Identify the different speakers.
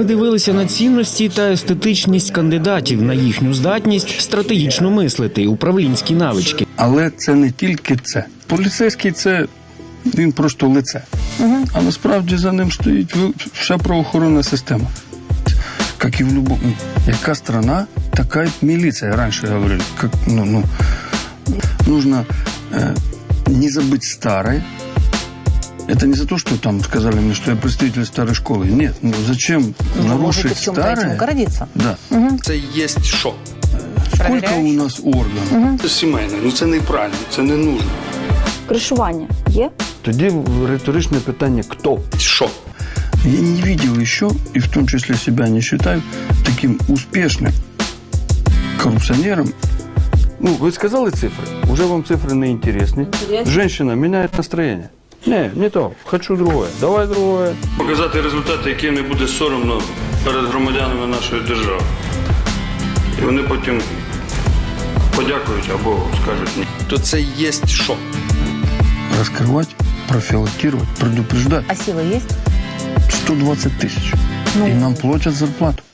Speaker 1: Ми дивилися на цінності та естетичність кандидатів, на їхню здатність стратегічно мислити, управлінські навички.
Speaker 2: Але це не тільки це. Поліцейський – це він просто лице. А насправді за ним стоїть вся правоохоронна система. Як і в будь-якому. Яка страна, така й міліція, раніше говорили. Нужно не забыть старое. Это не за то, что там сказали мне, что я представитель старой школы. Нет, ну зачем нарушить старое?
Speaker 3: Гордиться.
Speaker 2: Да.
Speaker 4: Це є що?
Speaker 2: Сколько у нас органів?
Speaker 4: Це сімейне, ну це неправильно, це не нужно.
Speaker 5: Кришування є?
Speaker 2: Тоді риторичне питання «Хто?».
Speaker 4: Що?
Speaker 2: Я не видел еще, и в том числе себя не считаю, таким успешным коррупционером. Ну, вы сказали цифры? Уже вам цифры не интересны. Женщина меняет настроение. Не то. Хочу другое. Давай другое.
Speaker 4: Показати результати, які не буде соромно перед громадянами нашої держави. І вони потім подякують або скажуть ні. То це є що?
Speaker 2: Раскрывать, профилактировать, предупреждать.
Speaker 3: А силы есть?
Speaker 2: 120 тысяч. И нам платят зарплату.